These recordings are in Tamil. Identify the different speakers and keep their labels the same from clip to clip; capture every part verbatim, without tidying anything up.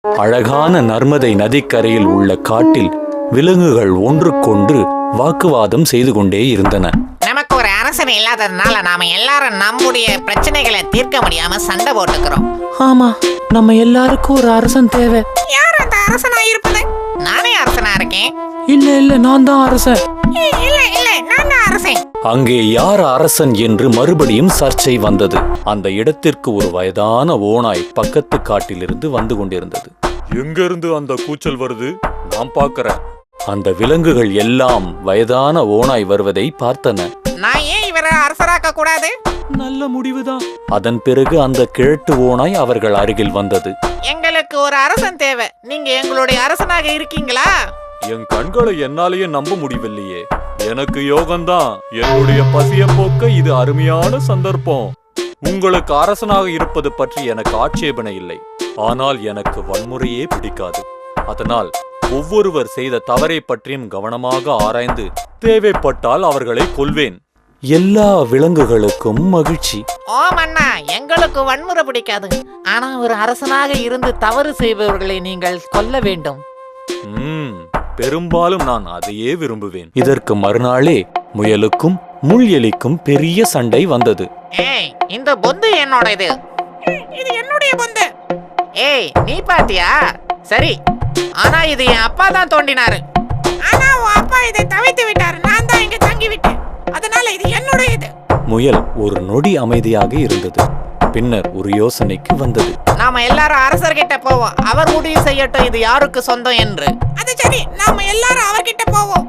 Speaker 1: அழகான நர்மதை நதிக்கரையில் உள்ள காட்டில் விலங்குகள் ஒன்றுக்கொன்று வாக்குவாதம் செய்து கொண்டே இருந்தன.
Speaker 2: நமக்கு ஒரு அரசன் இல்லாததுனால நாம எல்லாரும் நம்முடைய பிரச்சனைகளை தீர்க்க முடியாம சண்டை போட்டுக்கிறோம்.
Speaker 3: ஆமா, நம்ம எல்லாருக்கும் ஒரு அரசன் தேவை.
Speaker 2: யார் அந்த அரசனா இருப்பது? நானே அரசனா இருக்கேன்.
Speaker 3: இல்ல இல்ல, நான் தான் அரசன்.
Speaker 2: இல்ல இல்ல, நான் தான் அரசன்.
Speaker 1: அங்கே யார் அரசன் என்று மறுபடியும் சர்ச்சை வந்தது. அந்த இடத்திற்கு ஒரு வயதான ஓநாய் பக்கத்து காட்டிலிருந்து வந்து கொண்டிருந்தது. எங்க இருந்து அந்த கூச்சல் வருது? நான் பார்க்கிறேன். அந்த விலங்குகள் எல்லாம் வயதான ஓநாய் வருவதை பார்த்தன.
Speaker 2: நான் ஏன் இவரை அரசராக்க கூடாது?
Speaker 3: நல்ல முடிவுதான்.
Speaker 1: அதன் பிறகு அந்த கிழட்டு ஓநாய் அவர்கள் அருகில் வந்தது.
Speaker 2: எங்களுக்கு ஒரு அரசன் தேவை. நீங்க எங்களுடைய அரசனாக இருக்கீங்களா?
Speaker 1: என் கண்களை என்னாலேயே நம்ப முடியவில்லையே. எனக்கு யோகம்தான். என்னுடைய பசிய போக்க இது அருமையான சந்தர்ப்பம். உங்களுக்கு அரசனாக இருப்பது பற்றி எனக்கு ஆட்சேபனை இல்லை. ஆனால் எனக்கு வன்முறையே பிடிக்காது. அதனால் ஒவ்வொருவர் செய்த தவறை பற்றியும் கவனமாக ஆராய்ந்து தேவைப்பட்டால் அவர்களை கொல்வேன். எல்லா விலங்குகளுக்கும் மகிழ்ச்சி.
Speaker 2: ஓ மன்னா, எங்களுக்கு வன்முறை பிடிக்காது. ஆனா ஒரு அரசனாக இருந்து தவறு செய்பவர்களை நீங்கள் கொல்ல வேண்டும்.
Speaker 1: ம் பெரும்பாலும் நான் அதையே விரும்புவேன். இதற்கு மறுநாளே முயலுக்கும் முள் எலிக்கும் பெரிய சண்டை வந்தது.
Speaker 2: ஏய், இந்த பொந்து என்னோட இது. இது என்னுடைய பொந்து. ஏய், நீ பாத்தியா? சரி, ஆனா இது என் அப்பா தான் தோண்டினாரு. ஆனா உன் அப்பா இதை தவித்து விட்டாரு. நான் தான் இங்க தங்கி விட்டேன். அதனால இது என்னுடையது.
Speaker 1: முயல் ஒரு நொடி அமைதியாக இருந்தது. பின்னர் ஒரு யோசனைக்கு வந்தது.
Speaker 2: நாம எல்லாரும் அரசர்கிட்ட போவோம். அவர் முடிவு செய்யட்டும் இது யாருக்கு சொந்தம் என்று. அது சரி, நாம எல்லாரும் அவர்கிட்ட போவோம்.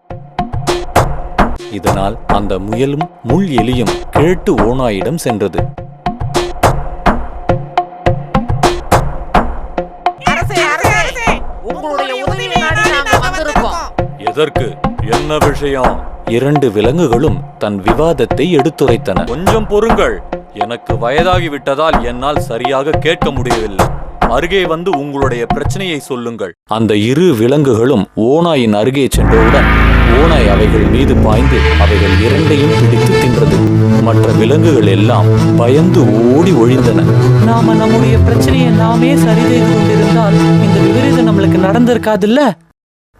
Speaker 1: இதனால் அந்த முயலும் முள் எலியும் கிழட்டு ஓநாயிடம் சென்றது.
Speaker 2: அரசே, அரசே, அரசே, உங்களுடைய உதவி நாடி நாங்க வந்திருக்கோம்.
Speaker 1: எதற்கு? என்ன விஷயம்? இரண்டு விலங்குகளும் தன் விவாதத்தை எடுத்துரைத்தன. கொஞ்சம் பொறுங்கள். எனக்கு வயதாகி விட்டதால் என்னால் சரியாக கேட்க முடியவில்லை. அருகே வந்து உங்களுடைய பிரச்சனையை சொல்லுங்கள். அந்த இரு விலங்குகளும் ஓநாயின் அருகே சென்றவுடன் ஓநாய் அவைகள் மீது பாய்ந்து அவைகள் இரண்டையும் பிடித்து தின்றது. மற்ற விலங்குகள் எல்லாம் பயந்து ஓடி ஒழிந்தன.
Speaker 3: நாம நம்முடைய பிரச்சனையை நாமே சரி செய்து கொண்டிருந்தால் இந்த விபரீதம் நம்மளுக்கு நடந்திருக்காதுல்ல.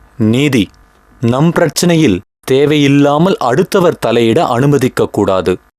Speaker 1: நீதி. நம் பிரச்சனையில் தேவையில்லாமல் அடுத்தவர் தலையிட அனுமதிக்க கூடாது.